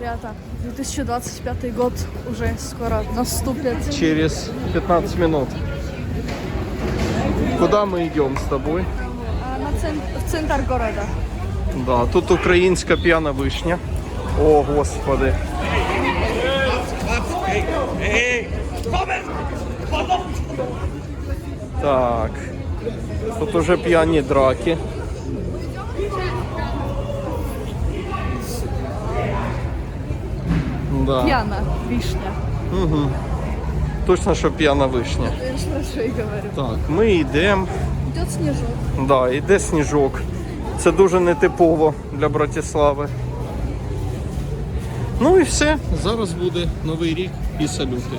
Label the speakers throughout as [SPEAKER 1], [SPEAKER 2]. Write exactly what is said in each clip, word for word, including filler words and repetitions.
[SPEAKER 1] ребята, две тысячи двадцать пятый год уже скоро наступит.
[SPEAKER 2] Через пятнадцать минут. Куда мы идем с тобой?
[SPEAKER 1] А, на цен... В центр города.
[SPEAKER 2] Да, тут українська п'яна вишня. О, Господи. Так. Тут уже п'яні драки. Да.
[SPEAKER 1] Пьяна вишня.
[SPEAKER 2] Угу. Точно, що п'яна вишня.
[SPEAKER 1] Я ж про що і говорю.
[SPEAKER 2] Так, ми йдемо.
[SPEAKER 1] Идет снежок.
[SPEAKER 2] Да, йде сніжок. Це дуже нетипово для Братислави. Ну і все. Зараз буде Новий рік і салюти.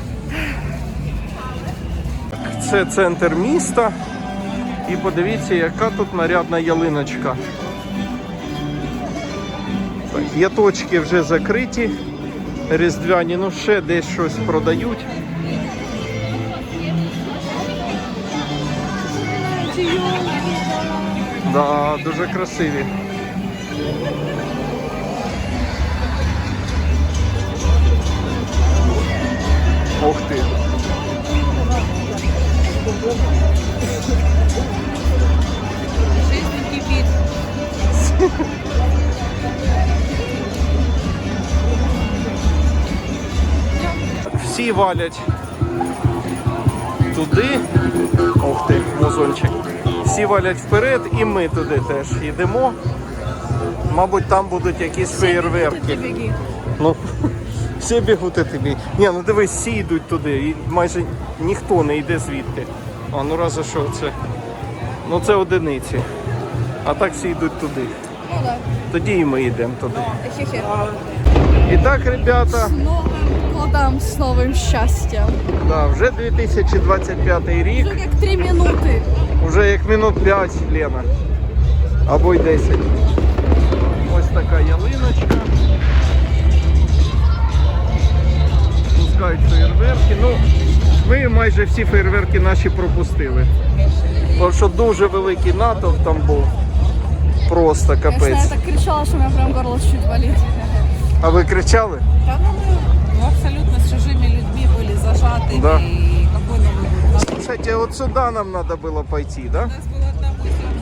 [SPEAKER 2] Це центр міста. І подивіться, яка тут нарядна ялиночка. Так, яточки вже закриті. Різдвяні, ну ще десь щось продають. Да, дуже красиві. Ух ти.
[SPEAKER 1] Жизнь кипит.
[SPEAKER 2] Всі валять туди. Ух ти, музончик. Всі валять вперед і ми туди теж йдемо. Мабуть, там будуть якісь феєрверки. Ну, всі бігуть і тобі. Ні, ну дивись, всі йдуть туди. І майже ніхто не йде звідти. А ну разве що це? Ну це одиниці. А так всі йдуть туди.
[SPEAKER 1] Ну да.
[SPEAKER 2] Тоді і ми йдемо туди.
[SPEAKER 1] Хе-хе.
[SPEAKER 2] І так, ребята,
[SPEAKER 1] С Новым годом, с новым счастьем.
[SPEAKER 2] да, вже дві тисячі двадцять п'ятий рік.
[SPEAKER 1] Уже как три минуты.
[SPEAKER 2] Уже як минут п'ять, Лена. Або й десять. Ось така ялиночка. Пускають феєрверки. Ну, ми майже всі феєрверки наші пропустили. Тому що дуже великий натовп там був. Просто
[SPEAKER 1] Конечно,
[SPEAKER 2] капець.
[SPEAKER 1] я так кричала, что у меня прям горло чуть болит.
[SPEAKER 2] А ви кричали?
[SPEAKER 3] Да, ну, мы ну, абсолютно с чужими людьми были зажаты.
[SPEAKER 2] Да.
[SPEAKER 3] И какой Новый год?
[SPEAKER 2] Слушайте, вот сюда нам надо было пойти, да?
[SPEAKER 3] У нас была одна мысль